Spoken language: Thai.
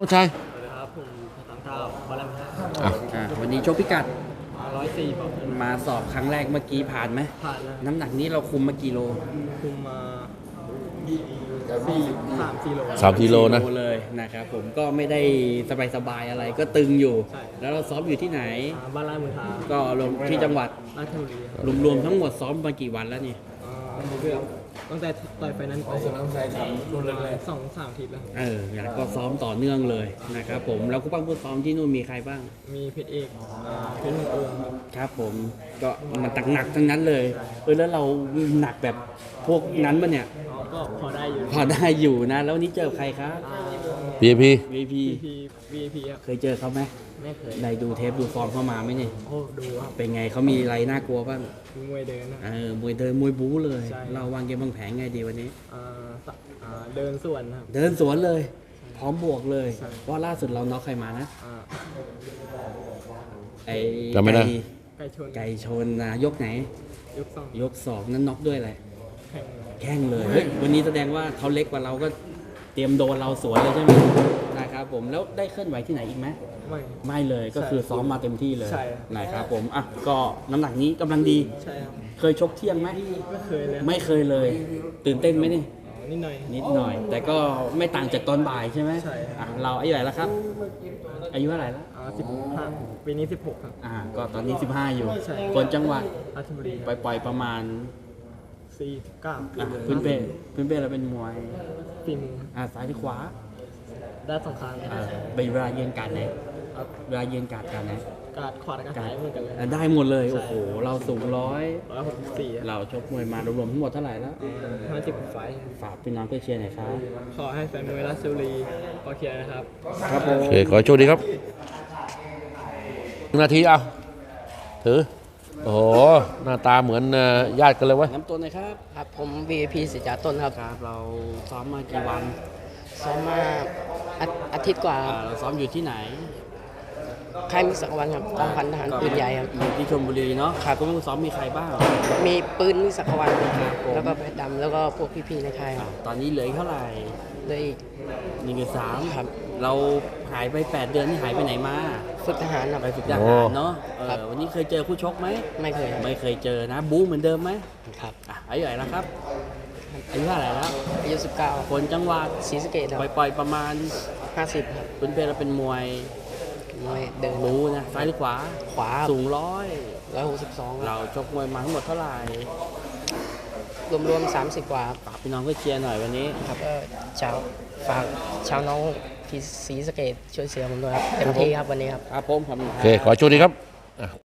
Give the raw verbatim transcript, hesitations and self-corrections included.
ผู้ชายสวัสดีครับผมสามเท้าบอลลัมฮะอ่ะอ่ะวันนี้ชกพิกัดร้อยสี่ปอนด์มาสอบครั้งแรกเมื่อกี้ผ่านไหมผ่านแล้วน้ำหนักนี้เราคุมมากี่โลคุมมาสี่สามสี่โลสามกิโลนะเลยนะครับผมก็ไม่ได้สบายๆอะไรก็ตึงอยู่ใช่แล้วเราซ้อมอยู่ที่ไหนอ่าบ้านไร่เมืองทาก็ลงที่จังหวัดราชบุรีครับรวมๆทั้งหมดซ้อมมากี่วันแล้วนี่อ่าเกือบตั้งแต่ต่อยไฟนั้นไปสองสามอาทิตย์แล้วครับเอออย่างก็ซ้อมต่อเนื่องเลยนะครับผมแล้วก็ปั้งผู้ซ้อมที่นู่นมีใครบ้างมีเพชรเอกอ่าเพชรเมืองเอิงครับครับผมก็มันตักหนักทั้งนั้นเลยเออแล้วเราหนักแบบพวกนั้นมันเนี่ยอ๋อก็พอได้อยู่พอได้อยู่นะ แล้ววันนี้เจอใครครับอ่าพี พีวีพีพีพีวีพีครับเคยเจอเขาไหมไม่เคยได้ดูเทปดูฟอร์มเข้ามาไหมเนี่ยโอ้ดูครับเป็นไงเขามีอะไรน่ากลัวบ้างมีมวยเดินนะเออมวยเดินมวยบู๊เลยใช่เราวางเกมวางแผนไงดีวันนี้อ่าสะอ่าเดินส่วนครับเดินสวนเลย พร้อมบวกเลยใช่เพราะล่าสุดเราน็อกใครมานะอ่าไอ้จำไม่ได้ก่ไก่ชนไก่ชนนะยกไหนยกสองยกสองนั้นน็อกด้วยอะไรแข่งแข้งเลยเฮ้ยวันนี้แสดงว่าเขาเล็กกว่าเราก็เตรียมโดนเราสวนเลยใช่ไหมนะครับผมแล้วได้เคลื่อนไหวที่ไหนอีกไหมไม่ไม่เลยก็คือซ้อมมาเต็มที่เลยใช่นะครับผมอ่ะก็น้ำหนักนี้กำลังดีใช่ครับเคยชกเที่ยงไหมไม่เคยเลยไม่เคยเลย ตื่นเต้นไหมนี่อ๋อนิดหน่อยนิดหน่อย แต่ก็ไม่ต่างจากตอนบ่ายใช่ไหมใช่ครับอ่ะเราอายุเท่าไหร่แล้วครับ อายุเท่าไหร่แล้วอ่าสิบห้าปีนี้สิบหกครับอ่าก็ตอนนี้สิบห้าอยู่ใช่คนจังหวัดราชบุรีปล่อยๆประมาณสี่เก้าอ่ะพื้นเป้พื้นเป้เราเป็นมวยฝีมืออ่าซ้ายหรือขวาด้านสองข้างอ่าเป็นเวลาเย็นการไหนครับเวลาเย็นการการไหนการขวาและการซ้ายเหมือนกันเลยอ่ะได้หมดเลย โอ้โห เราสูงร้อยร้อยหกสิบสี่เราชกมวยมารวมๆทั้งหมดเท่าไหร่แล้วห้าสิบไฟท์ฝากพี่น้องเพื่อเชียร์หน่อยครับขอให้แฟนมวยราชบุรีขอเชียร์นะครับครับผโอมเค ขอให้โชคดีครับหนึ่งนาทีเอาถือ โอ้โห หน้าตาเหมือนเอ่อญาติกันเลยเว้ยน้ำตัวหน่อยครับครับผม วี ไอ พี สิจาต้นครับครับ เราซ้อมมากี่วันซ้อมมาอาอาทิตย์กว่าอ่าเราซ้อมอยู่ที่ไหนค่ายมิตรสักวันครับกองพันทหารปืนใหญ่ครับอยู่ที่ชลบุรีเนาะครับก็ไม่ซ้อมมีใครบ้างมีปืนมิตรสักวันครับผมแล้วก็เพชรดำแล้วก็พวกพี่ๆในค่ายครับตอนนี้เหลืออีกเท่าไหร่เลยอีกหนึ่งสามครับเราหายไปแปดเดือนนี่หายไปไหนมาฝึกทหารครับไปฝึกทหารเนาะเอครับอวันนี้เคยเจอคู่ชกไหมไม่เคยครับไม่เคยเจอนะ บู๊เหมือนเดิมไหมครับอ่ะอายุเท่าไหร่แล้วครับอายุเท่าไหร่แล้วอายุสิบเก้าคนจังหวัดศรีสะเกษครับปล่อยๆประมาณห้าสิบครับเป็นเพลเราเป็นมวยมวยเดินบู๊นะซ้ายหรือขวาขวาสูงร้อยร้อยหกสิบสองเราชกมวยมาทั้งหมดเท่าไหร่รวมๆสามสิบกว่าครับฝากพี่น้องเพื่อเชียร์หน่อยวันนี้ครับก็ชาวฝากชาวน้องที่ศรีสะเกษช่วยเชียร์ผมด้วยครับเต็มที่ครับวันนี้ครับครับผมครับโอเค ขอให้โชคดีครับ